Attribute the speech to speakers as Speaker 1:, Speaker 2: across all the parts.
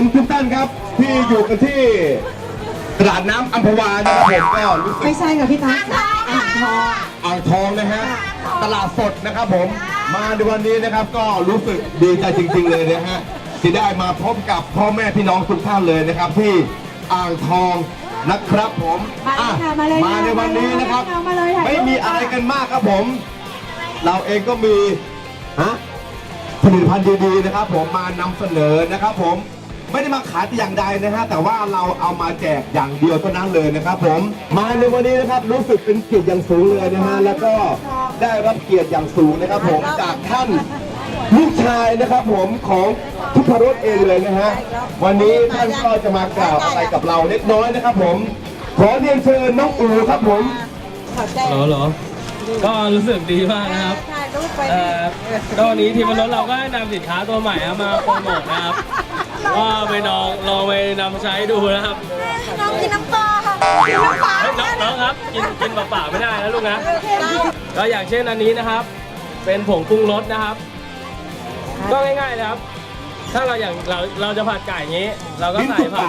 Speaker 1: ผมทุกท่านครับที่อยู่กันที่ตลาดน้ำอัมพวานะครับผมก็รู้สึก
Speaker 2: ไม่ใช่ค่ะพี่ตั๊กอ่างทอง
Speaker 1: อ่างทองนะฮะตลาดสดนะครับผมมาในวันนี้นะครับก็รู้สึกดีใจจริงๆเลยนะฮะที่ได้มาพบกับพ่อแม่พี่น้องทุกท่านเลยนะครับที่อ่างทองนะครับผมมาในวันนี้นะครับไม่มีอะไรกันมากครับผมเราเองก็มีผลิตภัณฑ์ดีๆนะครับผมมานำเสนอนะครับผมไม่ได้มาขายแต่อย่างใดนะฮะแต่ว่าเราเอามาแจกอย่างเดียวเท่านั้นเลยนะครับผมมาในวันนี้นะครับรู้สึกเป็นเกียรติอย่างสูงเลยนะฮะแล้วก็ได้รับเกียรติอย่างสูงนะครับผมจากท่านลูกชายนะครับผมของทุพรสเองเลยนะฮะวันนี้ท่านก็จะมากล่าวอะไรกับเราเล็กน้อยนะครับผมขอเรียนเชิญน้องอู๋ครับผม
Speaker 3: เหรอก็รู้สึกดีมากนะครับก็วันนี้ทีมรถเราก็ได้นำสินค้าตัวใหม่มาโปรโมทนะครับก็ไปลองไปนำใช้ดูนะครับ
Speaker 4: น้องกินน้ำปลาค่ะกินน้ำปลา
Speaker 3: น้องครับกินเปล่าๆไม่ได้นะลูกนะก็อย่างเช่นอันนี้นะครับ เป็นผงปรุงรสนะครับ ก็ง่ายๆเลยครับ ถ้าเราจะผัดไก่อย่างนี้ เราก็ใส่ผัด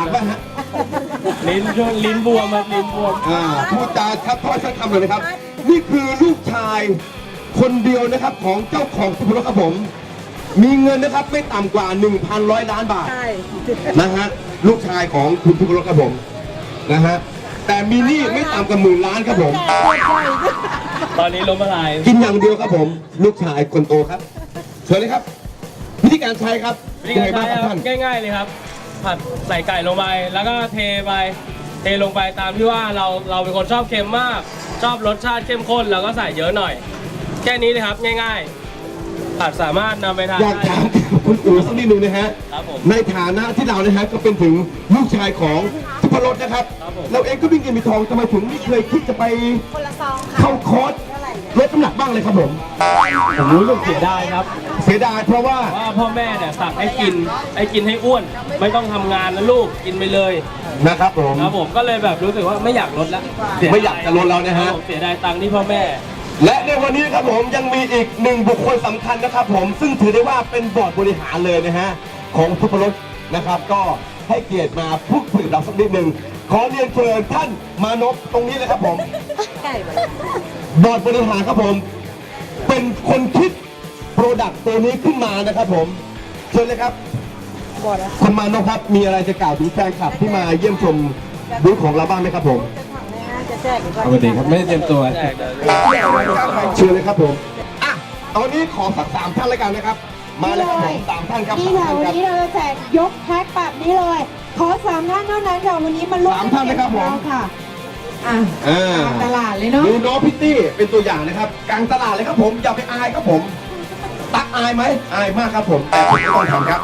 Speaker 3: ลิ้นบวมครับลิ้นบวม
Speaker 1: พูดจาชัดถ้อยชัดคำเลยนะครับนี่คือลูกชายคนเดียวนะครับของเจ้าของทุพรสครับผมมีเงินนะครับไม่ต่ำกว่า 1,100 ล้านบาทนะฮะลูกชายของคุณทุพรสครับผมนะฮะแต่มีหนี้ไม่ต่ำกว่า10,000 ล้านครับผม
Speaker 3: ตอนนี้ล้มละลาย
Speaker 1: กินอย่างเดียวครับผมลูกชายคนโตครับเชิญเลยครับวิธีการใช้ครับ
Speaker 3: วิธีการใช้ครับง่ายๆเลยครับผัดใส่ไก่ลงไปแล้วก็เทลงไปตามที่ว่าเราเป็นคนชอบเค็มมากชอบรสชาติเข้มข้นเราก็ใส่เยอะหน่อยแค่นี้เลยครับง่ายๆผัดสามารถนำไปทาน
Speaker 1: อยากถามคุณอู๋สักนิดนึงนะฮะในฐานะที่เรานะฮะก็เป็นถึงลูกชายของทุพรสนะครับเราเองก็มีเงินมีทองทำไมถึงไม่เคยคิดจะไปเข้าคอร์สลดน้ำหนักบ้างเลยครับผม
Speaker 3: รู้สึกเสียดายครับ
Speaker 1: เสียดายเพราะว่า
Speaker 3: พ่อแม่เนี่ยสั่งให้กินให้อ้วนไม่ต้องทำงานนะลูกกินไปเลย
Speaker 1: นะครับผม
Speaker 3: ก็เลยแบบรู้สึกว่าไม่อยากลดแล้ว
Speaker 1: ไม่อยากจะลดแล้วนะฮะ
Speaker 3: เสียดายตังค์ที่พ่อแม่
Speaker 1: และในวันนี้ครับผมยังมีอีกหนึ่งบุคคลสำคัญนะครับผมซึ่งถือได้ว่าเป็นบอร์ดบริหารเลยนะฮะของทุพรสนะครับก็ให้เกียรติมาพูดคุยกับเราสักนิดหนึ่งขอเรียนเชิญท่านมานพตรงนี้เลยครับผมบอร์ดบริหารครับผมเป็นคนคิดโปรดักต์ตัวนี้ขึ้นมานะครับผมเชิญเลยครับคุณมานพครับมีอะไรจะกล่าวถึงแฟนคลับที่มาเยี่ยมชมบูธของเราบ้างไหมครับผม
Speaker 3: ปกติครับไม่ได้เตรียมตัว
Speaker 1: เชิญเลยครับผมตอนนี้ขอสัก3 ท่านเลยกันนะครับมาเลยครับผม3 ท่านครับ
Speaker 2: นี่ค่ะวันนี้เราจะแจกยกแพ็คแบบนี้เลยขอ3 ท่านเท่านั้นค่ะวันนี้มันร่วม
Speaker 1: 3 ท่านนะครับผม
Speaker 2: ค่ะตลาดเลยเนาะ
Speaker 1: ดูน้องพิตตี้เป็นตัวอย่างนะครับกลางตลาดเลยครับผมอย่าไปอายครับผมตักอายไหมอายมากครับผมแต่ผมไม่ต้องทำครับ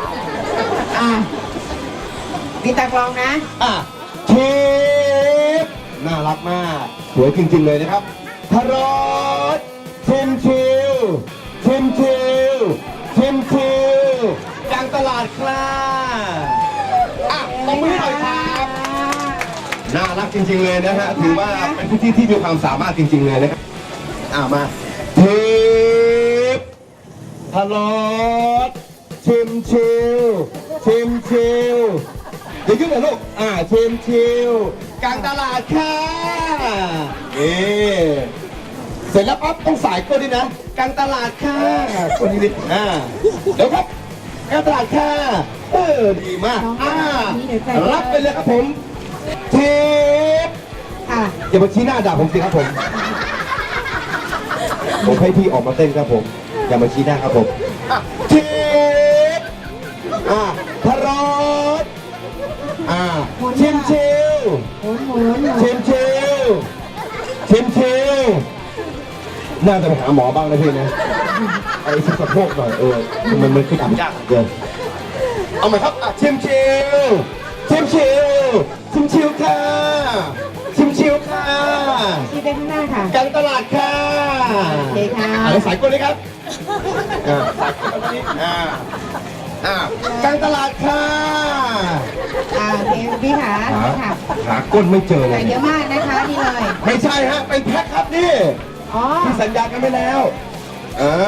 Speaker 2: พี่ตักลองนะ
Speaker 1: เชฟน่ารักมากสวยจริงๆเลยนะครับทารอสชิมชิวกลางตลาดครับตบมือหน่อยครับน่ารักจริงๆเลยนะฮะถือว่าเป็นพื้นที่ที่มีความสามารถจริงๆเลยนะครับมาเทปทารอสชิมชิวเดี๋ยวขึ้นหน่อยลูกชิมกลางตลาดค่ะเสร็จแล้วปั๊บต้องสายก้นด้วยนะกลางตลาดค่ะก้นนิดเดี๋ยวครับกลางตลาดค่ะดีมากรับไปเลยครับผมเทปอย่ามาชี้หน้าด่าผมสิครับผมให้พี่ออกมาเต้นครับผมอย่ามาชี้หน้าครับผมเทปทารอสชิมน่าจะไปหาหมอบ้างนะพี่นะไอ้สะโพกหน่อยมันคือทำยากเกินเอาใหม่ครับชิมชิวค่ะชิม
Speaker 2: ไปข้างหน้าค่ะ
Speaker 1: กลางตลาดค่ะ
Speaker 2: โอเคค่ะ
Speaker 1: แล้วสายก้นเลยครับสายก้นนี้กลางตลาดค่ะ
Speaker 2: พี่
Speaker 1: หาก้นไม่เจอเลย
Speaker 2: เยอะมากนะคะนี่เลย
Speaker 1: ไม่ใช่ฮะเป็นแพ็คครับนี่ที่สัญญากันไปแล้ว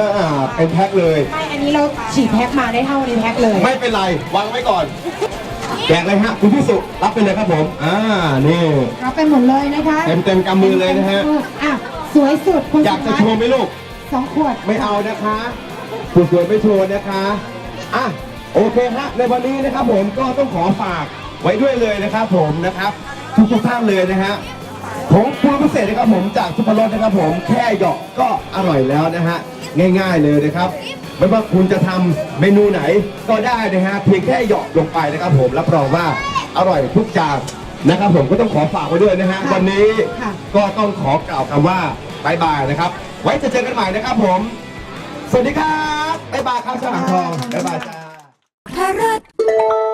Speaker 1: เป็นแพ็คเลย
Speaker 2: ไม่อันนี้เราฉีดแพ็คมาได้เท่านี้แพ็คเลย
Speaker 1: ไม่เป็นไรวางไว้ก่อนแจกเลยฮะคุณพิสุรับไปเลยครับผมนี่
Speaker 2: รับไปหมดเลยนะคะ
Speaker 1: เต็มกำมือเลยนะฮะ
Speaker 2: อ่ะสวยสุดคุณ
Speaker 1: อยากจะโชว์ไหมลูก
Speaker 2: 2 ขวด
Speaker 1: ไม่เอานะคะคุณสวยไม่โชว์นะคะอ่ะโอเคฮะในวันนี้นะครับผมก็ต้องขอฝากไว้ด้วยเลยนะครับผมนะครับทุกท่านเลยนะฮะของปรุงพิเศษนะครับผมจากซุปเปอร์รสนะครับผมแค่หยอกก็อร่อยแล้วนะฮะง่ายๆเลยนะครับไม่ว่าคุณจะทำเมนูไหนก็ได้นะฮะเพียงแค่หยอกลงไปนะครับผมรับรองว่าอร่อยทุกจานนะครับผมก็ต้องขอฝากไว้ด้วยนะฮะวันนี้ก็ต้องขอกล่าวคำว่าบายบายนะครับไว้จะเจอกันใหม่นะครับผมสวัสดีครับบ๊ายบายครับช่างอ่างทองบ๊ายบายจ้า
Speaker 4: ทารัต